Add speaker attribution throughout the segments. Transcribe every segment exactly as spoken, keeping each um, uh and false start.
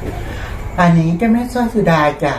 Speaker 1: อันนี้เจ้าแม่สร้อยสุดาจ้ะ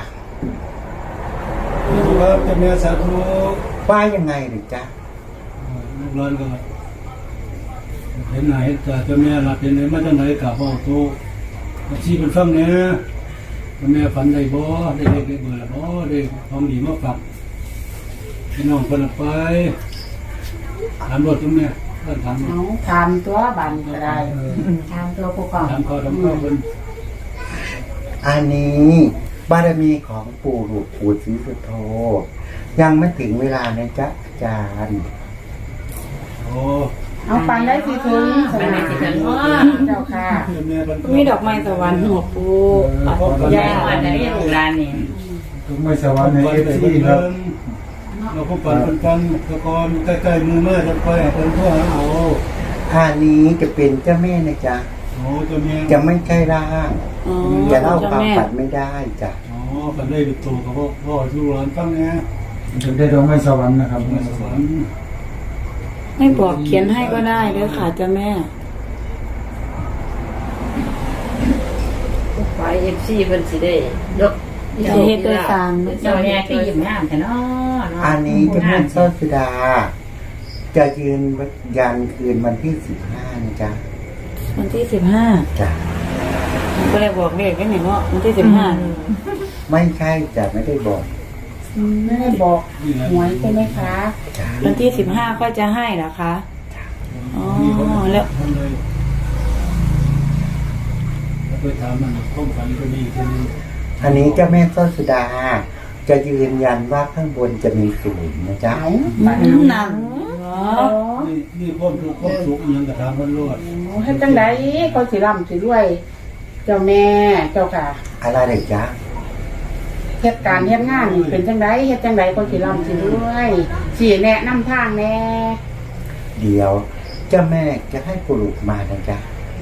Speaker 2: ครับเจ้าแม่สาธุ
Speaker 1: ว่ายังไงหรือจ๊ะ
Speaker 2: ลูกหลานก็เห็นไหนแต่เจ้าแม่หลับเห็นไหนมาจากไหนกับพ่อโตชี้เป็นฟังเนี่ยเจ้าแม่ฝันได้บ่ได้เด็กได้เบื่อบ่ได้ของดีมาฝากพี่น้องคนละไปถามรถเจ้าแม่ก็ถาม
Speaker 3: เอาทำตัวบันก็ได้ทำตัวผู้กอง
Speaker 2: ถามข้อถามข้อคน
Speaker 1: อันนี้บารมีของปู่หลวงปู่ศรีสุโธยังไม่ถึงเวลานะจ๊ะอาจารย์
Speaker 2: โอ้
Speaker 3: เอาปันได้สิถึงสมัยสิถึงเจ้าค่ะ
Speaker 2: เจ้าแม่เป็น
Speaker 4: มีดอกไม้สวรรค์หัวปู
Speaker 3: ยายวันนี้ลูกหลานนี่
Speaker 2: ต้องไม่สวรรค์ในเอฟซีครับเราก็ปั่นเป็นฟังตะกอนใกล้ๆมือแม่จะคอยเป็นผู้หาเอา
Speaker 1: อันนี้จะเป็นเจ้าแม่นะจ๊ะ
Speaker 2: โอ้เจ้าแม่
Speaker 1: จะไม่ใช่ร่าง
Speaker 4: อ๋อ
Speaker 1: จะเล่าความ
Speaker 4: แม่
Speaker 1: ฝันไม่ได้จ้ะ
Speaker 2: อ๋อฝันได้เป็นตัวกับพ่อพ่อลูกหลานฟังเนี่ย
Speaker 5: ถึงได้ดวงไม่สวรรค์นะครับ
Speaker 2: ไม่สวรรค์
Speaker 4: ไม่บอกเขียนให้ก็ได้เด้อค่ะเจ้าแม่
Speaker 6: ไฟเอฟซีเพิ่นสิได้เนาะ
Speaker 4: จะเฮ็ดด้วยสาม
Speaker 3: เจ้าแม่ก็ยิ้มงามแต่เนาะ
Speaker 1: อันนี้เจ้าแม่สร้อยสุดา จะยืนยันคืนวันที่สิบห้านะจ๊ะ
Speaker 4: วันที่สิบห้า
Speaker 1: จ้ะ
Speaker 4: ก็เลยบอกเลขไว้หน่อยเนาะวันที่สิบห้า
Speaker 1: ไม่ใช่จ้ะไม่ได้บอก
Speaker 3: ไม่ได้บอกหวยใช่ไหมคะ
Speaker 1: จ้ะ
Speaker 4: วันที่สิบห้าก็จะให้เหรอคะอ๋อแล้ว
Speaker 2: ทำเลยไปถามมันข้องฝันก็ดีทีนึง
Speaker 1: อันนี้เจ้าแม่สร้อยสุดา จะยืนยันว่าข้างบนจะมีศูนย์นะจ๊ะ
Speaker 3: เอา
Speaker 4: อืมหนังเหรอ
Speaker 2: นี่นี่ความทุกข์ความสุขยังกระทำมันรอด
Speaker 3: ให้จังไดเขาสิร่ำสิรวย เจ้าแม่เจ้าค่ะ
Speaker 1: อะไรเลยจ๊ะ
Speaker 3: เหตุการณ์เหตุงานนี่เป็นจังไดเฮ็ดจังไดเขาสิร่ำสิรวยสิแนะนำทางแน่
Speaker 1: เดี๋ยวเจ้าแม่จะให้ปลุกมานะจ๊ะ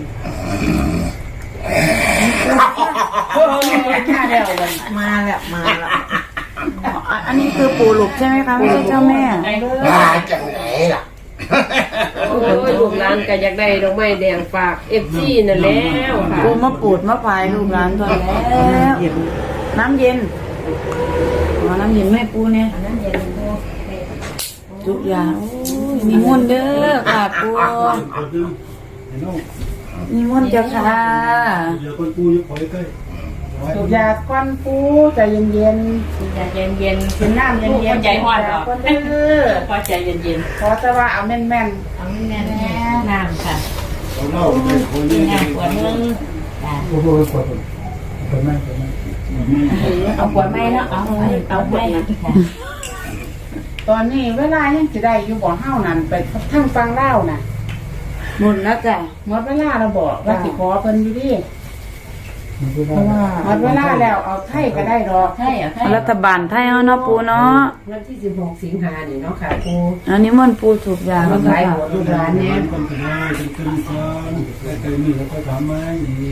Speaker 3: โอ้ยมาแล้ววัน
Speaker 4: มาแล้วมาแล้วอันนี้คือปู่หลุกใช่ไหมคะไม่ใช่เจ้าแม่
Speaker 1: มาจากไหนล่ะ
Speaker 6: โอ้ยลูกหลานก็อยากได้ดอกไม้แดงฝากเอฟซีนั่นแล้วค่ะ
Speaker 4: ปูมาปูดมาพายลูกหลานตัวแล้ว น้ำเย็นอ๋อน้ำเย็นแม่ปูเนี่ย
Speaker 3: นั้นเย็นปู
Speaker 4: ทุกอย่างโอ้ยมีมนต์เด้อค่ะปู
Speaker 2: คนนึงเห็นน้อง
Speaker 4: มีมนต์เจ้าค่ะ
Speaker 2: เดี๋ยวคนปูอยู่คอยใกล้
Speaker 3: สูบยาก้อนปูใจเย็นเย็น
Speaker 6: ใจเย็นเย็น
Speaker 3: ๆกินน้ำเย็นเย็น
Speaker 6: ใจฮ้อนหรอ
Speaker 3: ก้อนเด้อ
Speaker 6: พอใจเย็นเย็น
Speaker 3: ขอแต่ว่าเอาแม่นแม่น
Speaker 6: เอาแม่น้ำค่ะ
Speaker 2: เขาเล่าไปคนนี้
Speaker 6: งานปวดมึง
Speaker 5: โอ้โหปวดปวดมากปวดมาก
Speaker 6: เอาปวดไม่เนาะเอาเอาไม่นะ
Speaker 3: ๆตอนนี้เวลายังสิได้อยู่บ่อเฮานั่นไปทั้งฟังเล่าน่ะ
Speaker 4: หมดแล้วจ้ะ
Speaker 3: หมดเวลาเราบอกว่าสิขอเพิ่นอยู่ดิ
Speaker 5: มันก็
Speaker 3: เพราะว่าหมดเวลาแล้วเอาไทยก็ได้ดอก
Speaker 6: ใช่เหรอใช่
Speaker 4: รัฐบาลไทยเอาเนาะปูเนาะ
Speaker 6: วันที่สิบหกสิงหานี่เนาะค่ะปู
Speaker 4: อันนี้มันปูถูกยาแล้วก็
Speaker 3: หลาย
Speaker 4: ค่ะ
Speaker 3: หัวลูกหลานเนี่ย
Speaker 2: คนเป็นได้เป็นขึ้นฟ้าใกล้ๆนี่แล้วก็ถามไหมนี่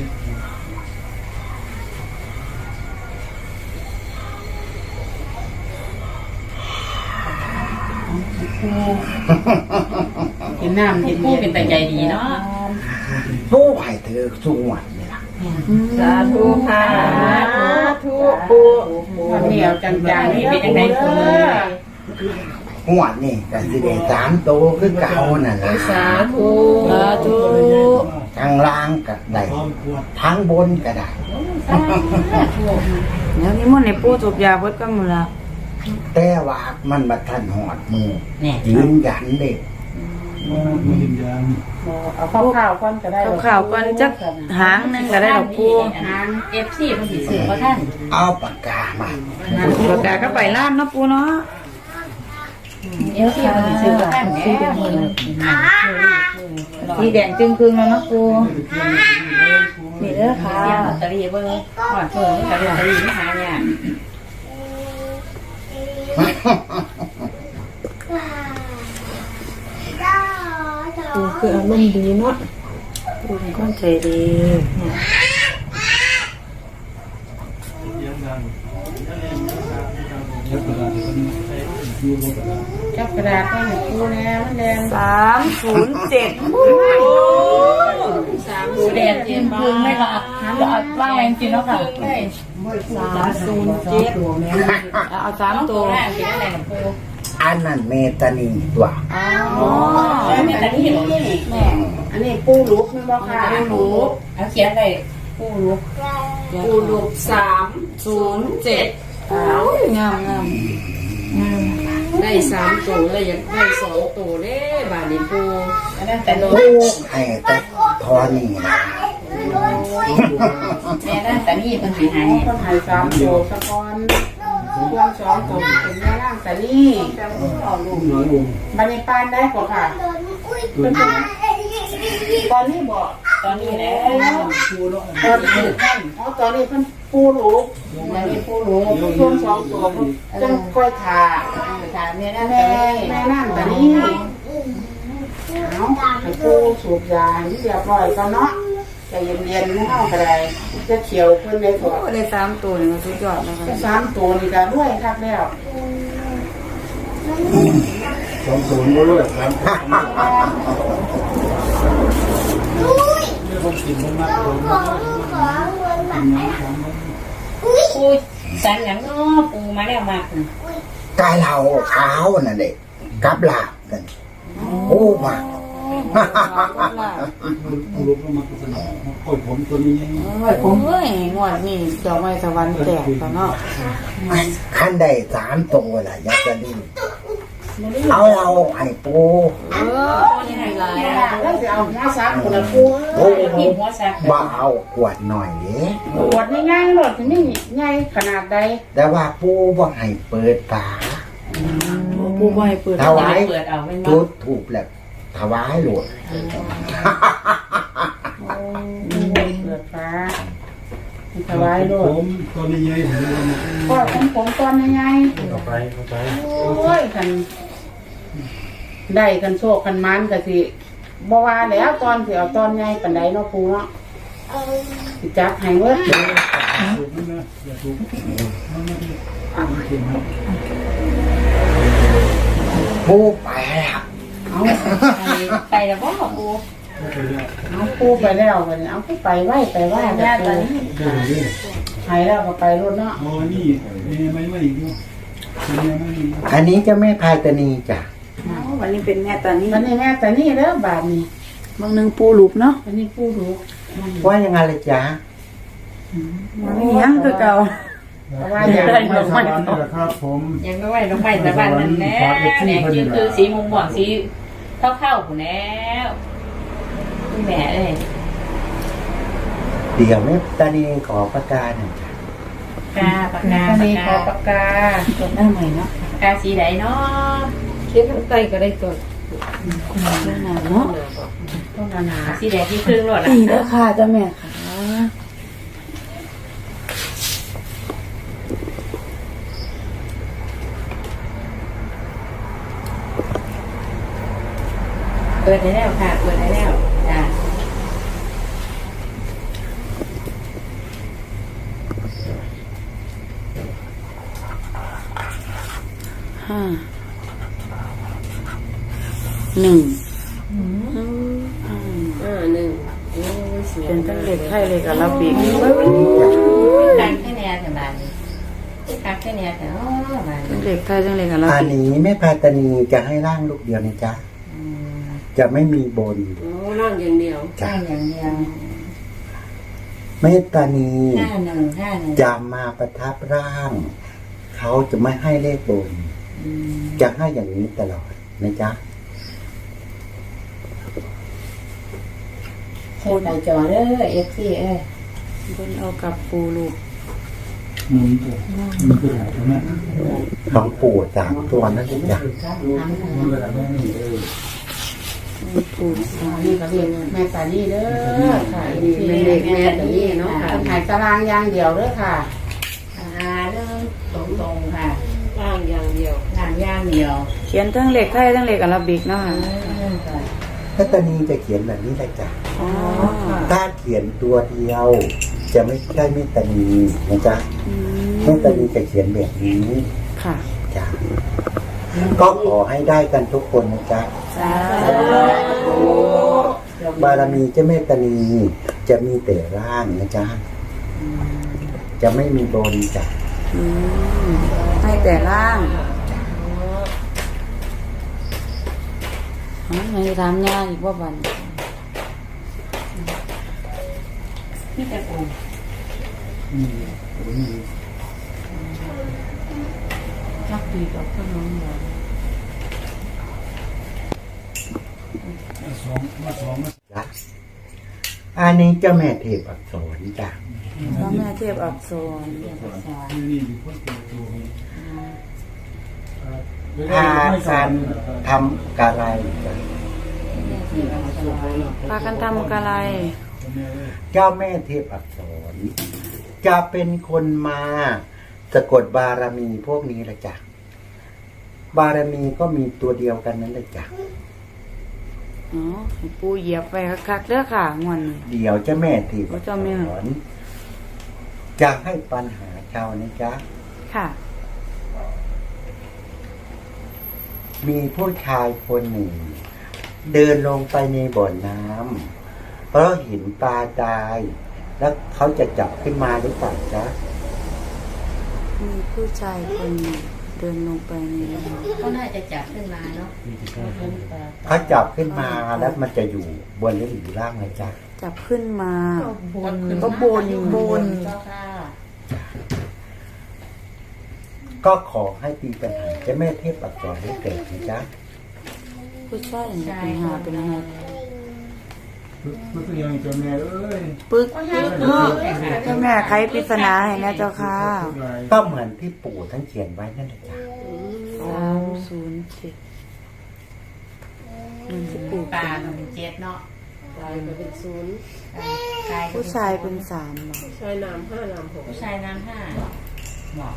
Speaker 3: กินน้ำเย็น
Speaker 6: ปูเป็นแต่ใจดีเนาะ
Speaker 1: ผู้ให้เธอสวดนี่ล่ะ
Speaker 6: สาธุค่ะสาธุปู
Speaker 3: วันนี้เอาจังๆนี่เป็นจังไดปู
Speaker 1: หวดนี่ก็สิได้สามโตคือเก่านั่นแหละ
Speaker 6: สาธุ
Speaker 4: สาธุ
Speaker 1: ทั้งล่างก็ได้
Speaker 2: ความปวด
Speaker 1: ทั้งบนก็ได้
Speaker 4: เดี๋ยวนี้มันในปูถูกยาเบิดก็หมดละ
Speaker 1: แต่ว่ามันมาทันหอดมือยืนยันเด็ก
Speaker 2: ไม่ยืนยัน
Speaker 3: เอาข้าวๆก่อนก็ได้
Speaker 4: เอาข่าวก่อนจักหางหนึงก็ได้ดอกปู
Speaker 3: หาง
Speaker 6: เอฟซีมันสิสื่อว่าท่าน
Speaker 1: เอาปากกามา
Speaker 4: ประกาศก็ไปล้านเนาะปูเนาะ
Speaker 6: เอฟซีมันสิสื่อว่าท่านสีแดง
Speaker 4: สีแดงจึงครึ่งแล้วเนาะปูนี่เด้อค่ะ
Speaker 6: เสียงลอตเตอรี่เบิ่งก่อนเพิ่นลอตเตอรี่ไม่หายเนี่ย
Speaker 4: ปูคืออารมณ์ดีเนาะปูเป็นคนใจดี
Speaker 2: ยังดังยักษ์กระดาษที่มันอยู่บนกระดาษ
Speaker 3: จับกระดาษให้หนูปูแน่มันแดง
Speaker 4: สามศูนย์เจ็ด
Speaker 6: สามหมูแดงเจ็บ
Speaker 4: คืนไม่หลับหว่างแรงจริงแล้วค่ะสามศูนย์เจ็ดเอาสามตัว
Speaker 1: อันนั้นเมตานีตัว
Speaker 4: อ๋อ
Speaker 3: แม่แต่นี่แม่อันนี้ปูลุกแม่บอกค่ะปูลุกเอาเขียนเลยปูลุก
Speaker 6: ปูลูกสามศูนย์เจ็ด
Speaker 4: งามงาม
Speaker 6: ได้สามตัวเลยอยากได้สองตัวเด้บาดนี้ปู
Speaker 3: อันนั้นแต่โล
Speaker 1: ผู้ให้แต่ทอนี่นะ
Speaker 3: แม่นั่นแต่นี่เป็นหายหายคนหายสามตัวสะกอนช่วงสองตัวเป็นแม่ร่างแต่นี่บันในปานได้ก่อนค่ะเป็นตอนนี้บอกตอนนี้แล้วตอนนี้ท่านอ๋อตอนนี้เพิ่นปูลูกตอนนี้ปูลูกช่วงสองตัวจังค่อยถ่าถ่าแม่นั่นแม่แม่นั่นแต่นี่เอาให้ปูสูบยาที่เรียบร้อยก่อนเนาะใจเย็นๆไม่เอาอะไรจะเขียวเพิ่นเลยก่อน
Speaker 4: ได้สามตัวนี่มันสุดยอดนะคะ
Speaker 3: สามตัวนี่ก็ด้วยครับแล้ว
Speaker 5: สองศูนย์ก็ด้วยครับ
Speaker 2: ผมกินมันมากผม
Speaker 7: ปูสันหลังเนาะปูมาแล้วมาก
Speaker 1: กาเหลาขาวน่ะเด็กกับลาบกันโอ้มาก
Speaker 2: ลูกก็มาสนองโอ้ยผมตัวนี้
Speaker 4: เฮ้ยผมเฮ้ยงวดนี่ดอกไม้สวรรค์แตกแล้วเนาะ
Speaker 1: ขั้นได้สามตัวล่ะอยากจะดีเอาเราให้ปู
Speaker 4: เออยังไงล่ะ
Speaker 3: แล้วจะเอาหัวซักคนละปู
Speaker 1: โอ้
Speaker 7: มีหัวสัก
Speaker 1: บ่เอาขวดหน่อยเด้
Speaker 3: ปวดง่ายๆหรอกที่นี่ง่ายขนาดใด
Speaker 1: แต่ว่าปูบ่ให้เปิดฝา
Speaker 4: ปูบ่ให้เปิด
Speaker 1: ถวาย
Speaker 7: เปิดเอาไม่มา
Speaker 1: จุดถูกแล้วถวายหลวง
Speaker 3: เปิดฟ้าถวายโล
Speaker 2: ผ
Speaker 3: ด
Speaker 2: มตัวนี้ยัยผมเลย
Speaker 3: ก็ของผมตอนง่าย
Speaker 5: ต่อไปต่อไป
Speaker 3: ๆโอ้ยกันได้กันโชคกันมันก็สิบ่ว่าแล้วตอนสิเอาตอนใหญ่ปานใดเนาะปูเนาะสิจับให้เบิด
Speaker 2: ถูกนะอย่าถูกมันไม่ได้ไม่เก่งครับ
Speaker 1: ปูไปแล้ว
Speaker 3: เอา
Speaker 7: ไปแล้วบ่ปู
Speaker 2: ไม่เคยได้
Speaker 3: เอาปูไปแล้วบัดนี้เอาปูไปไว้ไปไว้แม่ตอนนี้
Speaker 2: ได้เลย
Speaker 3: ให้แล้วก็ไปรถเนาะ
Speaker 2: อ๋อนี่นี่ไม่ไม่อีกด้วยนี่ไม่อีก
Speaker 1: อันนี้จะไม่พายตานีจ้ะ
Speaker 4: วันนี้เป็นแม่ตอนนี้
Speaker 3: วันนี้แม่แต่นี่เด้อบาดนี้
Speaker 4: บางนึงปูหลุบเนาะ
Speaker 3: วันนี้ปูรู้
Speaker 1: ว่ายังไงเลยจ๊ะ
Speaker 4: มันไม่ยังคือเก่า
Speaker 3: เพราะว่าอยาก
Speaker 5: ไม่สวรรค์นี่แหละครับผม
Speaker 7: ยังไม่ไหวลงไปแต่บ้านนั่นแน่เนี่ยคือคือสีมุมหมอนสีเท่าเข้าหูแล้วคุณแม่เลย
Speaker 1: เดี๋ยวแม่ตานีขอประกาศหน่อยจ้ะ
Speaker 7: กาปากกา
Speaker 3: วัน
Speaker 7: ปาก
Speaker 3: นี้ข
Speaker 7: กา
Speaker 3: อปากกา
Speaker 4: จดหน้าใหม่เนาะ
Speaker 7: ปากกาสีไหนเนาะ
Speaker 6: เขียนข้างใต้ก็ได้ตัว
Speaker 4: หน้าเนาะ
Speaker 3: ต้องนานา
Speaker 7: สีแดงที่ครึ่งรถ
Speaker 4: นี่เด้อค่ะเจ้าแม่ค่ะ
Speaker 7: เปิดได้แล้วค่ะเปิดได้แล้วจ้า
Speaker 4: ห้าหนึ่ง
Speaker 6: อ่าหนึ่งโอ้ยสวย
Speaker 4: เป็นทั้งเล็กไทยเล็กอาราบิก
Speaker 7: การแค่แนวแต่บ้านนี้การแค่แนวแต่อ๋อบ้าน
Speaker 4: ทั้
Speaker 7: นี้
Speaker 4: งเล็กไทยทั้งเล็กอารา
Speaker 1: อัน
Speaker 4: บิก
Speaker 1: นี้แม่พายตานีจะให้ร่างลูกเดียวนะจ๊ะจะไม่มีบน
Speaker 6: โอ้ร่างอย่างเดียว
Speaker 1: จ้ะ
Speaker 7: ห้าอย่างเดียว
Speaker 1: แม่ตานี
Speaker 7: ห้าหนึ่งห้าหนึ่ง
Speaker 1: จะมาประทับร่าง เขาจะไม่ให้เลขบน จะให้อย่างนี้ตลอดนะจ๊ะ
Speaker 7: โคตรในจอเด้อเอฟซีเอ้ย
Speaker 4: บนเอากับปูลูก
Speaker 2: หมุนตัวมันคืออะไรตรงนี้
Speaker 1: ของปู่สามตัวนั่นเองจ้ะ
Speaker 2: มันคืออะไรนี่เออ
Speaker 4: ปู
Speaker 3: อันนี้ก็เรียกแม่ตานี่เด้อค่ะ
Speaker 6: นี่เป็นเด็กแม่ตานี่เนาะค่ะ
Speaker 3: เป็นหายตารางอย่างเดียวเด้อค่ะ
Speaker 7: อ่าเริ่มตรงตรงๆค่ะ
Speaker 6: ร่างอย่างเดียว
Speaker 7: งานย่างเดียว
Speaker 4: เขียนทั้งเล็กไทยทั้งเล็กอาราบิกเนาะค่ะ
Speaker 7: เริ่มค่ะ
Speaker 1: แม่ตานีจะเขียนแบบนี้เลยจ้ะ
Speaker 4: อ๋อ
Speaker 1: ถ้าเขียนตัวเดียว จะไม่ใช่แม่ตานีนะจ๊ะ
Speaker 4: อืม
Speaker 1: แม่ตานีจะเขียนแบบนี้
Speaker 4: ค่ะ
Speaker 1: จ้ะก็ขอให้ได้กันทุกคนนะจ๊ะ
Speaker 4: สาธุ
Speaker 1: บารมีเจ้าแม่ตานีจะมีแต่ร่างนะจ๊ะจะไม่มีบนจ้ะ
Speaker 4: อืมให้แต่ร่างอ๋อไม่ทำยากอีกว่าบัน
Speaker 7: นี่แต่ปู
Speaker 2: อืมโอ้ย
Speaker 4: นักปีกับขนมหวาน
Speaker 2: มาสองมาสองมา
Speaker 1: จ้ะอันนี้เจ้าแม่เทพอักษรจ้ะ
Speaker 4: พระแม่เทพอักษร
Speaker 2: ที่นี่มีคนตัวตัวนี้
Speaker 1: พากันทำกะไรจ้ะ
Speaker 4: พากันทำกะไร
Speaker 1: เจ้าแม่เทพอักษร จะเป็นคนมาสะกดบารมีพวกนี้ละจ้ะบารมีก็มีตัวเดียวกันนั่นแหละจ้ะ
Speaker 4: อ๋อให้ปูเหยียบไปคักๆเด้อค่ะงวนนี้
Speaker 1: เดี๋ยวเจ้าแม่เทพอัก
Speaker 4: เจ้าแม่
Speaker 1: ษรจะให้ปัญหาชาวนะจ๊ะ
Speaker 4: ค่ะ
Speaker 1: มีผู้ชายคนหนึ่ง เดินลงไปในบ่อน้ำเพราะเห็นปลาตาย แล้วเขาจะจับขึ้นมาหรือเปล่าจ๊ะ
Speaker 4: มีผู้ชายคนหนึ่งเดินลงไปในน้ำ
Speaker 7: ก็น่าจะจับขึ้นมาเนาะ
Speaker 1: เขาจับขึ้นมาแล้วมันจะอยู่บนหรืออยู่ล่างนะจ๊ะ
Speaker 4: จับขึ้นมา
Speaker 7: บน
Speaker 4: ก็บนบน
Speaker 7: เจ้าค่ะ
Speaker 1: ก็ขอให้ตีปัญหาเจ้าแม่เทพอักษรให้เกิดนะจ๊ะ
Speaker 4: ผู้ชายเนี่ยเป็นหาเป็นไง
Speaker 2: มันก็ยังจะแม่เอ้ย
Speaker 4: ปึ๊กเนาะเจ้าแม่ไขปริศนาให้นะเจ้าค่ะ
Speaker 1: ก็เหมือนที่ปู่ท่านเขียนไว้นั่นแหละจ้ะ
Speaker 4: สามศูนย์เจ็ดมันจะปลูก
Speaker 7: ปลา
Speaker 4: เป็น
Speaker 7: ก็เป็นเจ็ดเนาะ
Speaker 6: ตายก็เป็นศูนย์
Speaker 7: กายก็
Speaker 4: ผู้ชายเป็นสามเหรอ
Speaker 6: ชายน้ำห้าน้ำหก
Speaker 7: ผู้ชายน้ำห้าบอก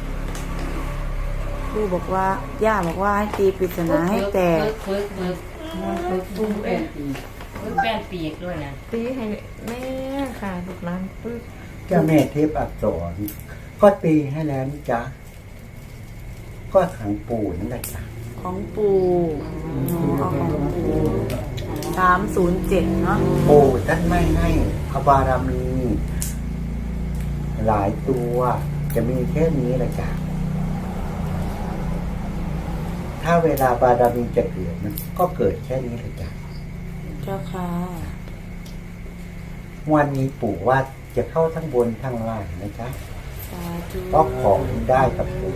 Speaker 4: ครูบอกว่า ย่าบอกว่าให้ตีปริศนาให้แตก
Speaker 7: ฝึกฝึกฝึกฝึกแป้นปีกฝึกแป้นปีกด้วยนะ
Speaker 8: ตีให้แม่ค่ะลูกหลานปึ๊บ
Speaker 1: เจ้าแม่เทพอักษร ก็ตีให้แล้วนะจ๊ะก็ขังปู่นั่นแหละจ้ะ
Speaker 4: ของปู่อ๋อเอาของปู่สามศูนย์เจ็ดเนาะ
Speaker 1: ปู่ท่านไม่ให้พระบารมี หลายตัวจะมีแค่นี้แหละจ้ะถ้าเวลาบารมีจะเกิดมันก็เกิดแค่นี้แหละจ้ะ
Speaker 4: เจ้าค่ะ
Speaker 1: วันนี้ปู่ว่าจะเข้าทั้งบนทั้งล่างนะจ๊ะ
Speaker 4: สาธุ
Speaker 1: เพราะของได้กับปู่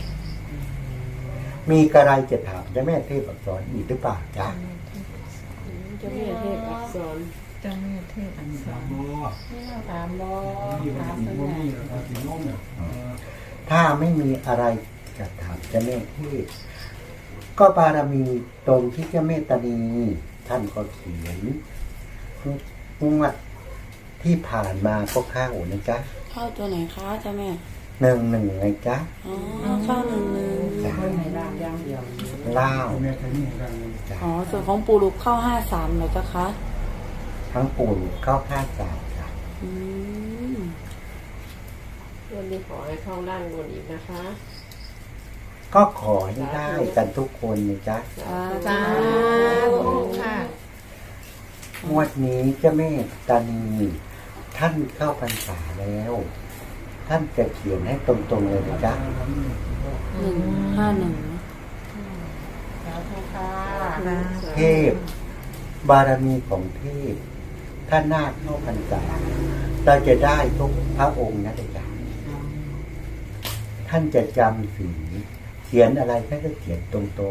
Speaker 1: มีกระไรจะถามเจ้าแม่เทพอักษรอีกหรือเปล่าจ๊ะ
Speaker 6: เจ้าแม่เทพอักษร
Speaker 8: เจ้าแม่เทพอัน
Speaker 2: สามบ่
Speaker 7: ถามบอ
Speaker 2: นี่มัน
Speaker 7: ถาม
Speaker 2: ถึง
Speaker 7: เพื่
Speaker 2: บ่
Speaker 7: อน
Speaker 2: มีแล้วก็สิโน้มเนี่ย
Speaker 1: ถ้าไม่มีอะไรจะถามเจ้าแม่เทพก็บารมีตรงที่เจ้าแม่ตานีท่านก็เขียนงวดที่ผ่านมาก็เข้านะจ๊ะ
Speaker 4: เข้าตัวไหนคะเจ้าแม่
Speaker 1: หนึ่งหนึ่งไงจ๊ะ
Speaker 4: อ๋อเข้าหนึ่งหนึ่ง
Speaker 1: จ้ะ
Speaker 7: ในร่างย่างเดียว
Speaker 1: เล่า
Speaker 2: แม่แค่นี้กันเลย
Speaker 1: จ้ะ
Speaker 4: อ๋อส่วนของปู่ลูกเข้าห้าสามเหรอเจ้าคะ
Speaker 1: ทั้งปู่เข้าข้าสามจ้ะ
Speaker 4: อืม
Speaker 6: วันนี้ขอให้เข้าล่างบนอีกนะคะ
Speaker 1: ก็ขอให้ได้กันทุกคนนะจ๊ะ
Speaker 4: สา
Speaker 8: สา
Speaker 4: ธุ
Speaker 8: ธุค่ะ
Speaker 1: งวดนี้เจ้าแม่ตานีท่านเข้าพรรษาแล้ว ท่านจะเขียนให้ตรงๆเลยนะจ๊ะ
Speaker 4: หนึ่งห้าหนึ่ง
Speaker 7: สาธุค่ะ
Speaker 1: เทพ บารมีของเทพถ้านาคเข้าพรรษาเราจะได้ทุกพระองค์นะจ๊ะท่านจะจำสีเขียนอะไรท่านก็เขียนตรง
Speaker 7: สาธุ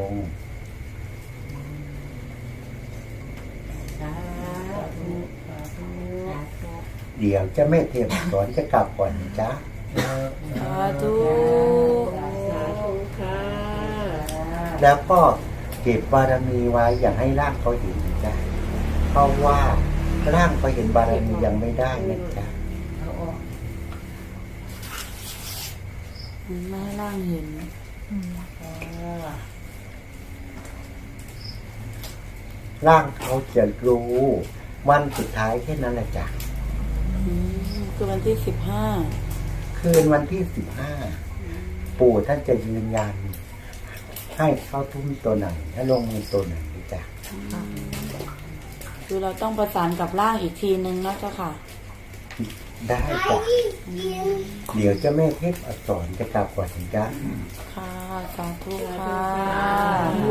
Speaker 7: สาธุ
Speaker 1: ๆ เดี๋ยวเจ้าแม่เทพสอนจะกลับก่อนนะจ๊ะ
Speaker 4: สาธุ
Speaker 6: สาธุค่ะ
Speaker 1: แล้วก็เก็บบารมีไว้อย่าให้ร่างเขาเห็นนะจ๊ะเพราะว่าร่างเขาเห็นบารมียังไม่ได้นะจ๊ะ
Speaker 7: เอาออก
Speaker 4: ไม่ให้ร่างเห็น
Speaker 7: เออ
Speaker 1: ร่างเขาจะรู้วันสุดท้ายแค่นั้นแหละจ้ะ
Speaker 4: อืมคือวันที่สิบห้า
Speaker 1: คืนวันที่สิบห้าปู่ท่านจะยืนยันให้เข้าทุ่มตัวไหนให้ลงมือตัวไหนนะจ๊ะ
Speaker 4: คือเราต้องประสานกับร่างอีกทีนึงนะเจ้าค่ะ
Speaker 1: ได้จ้ะเดี๋ยวเจ้าแม่เทพอักษรจะกลับก่อนจ้ะ
Speaker 4: ค่ะสาธุค่ะ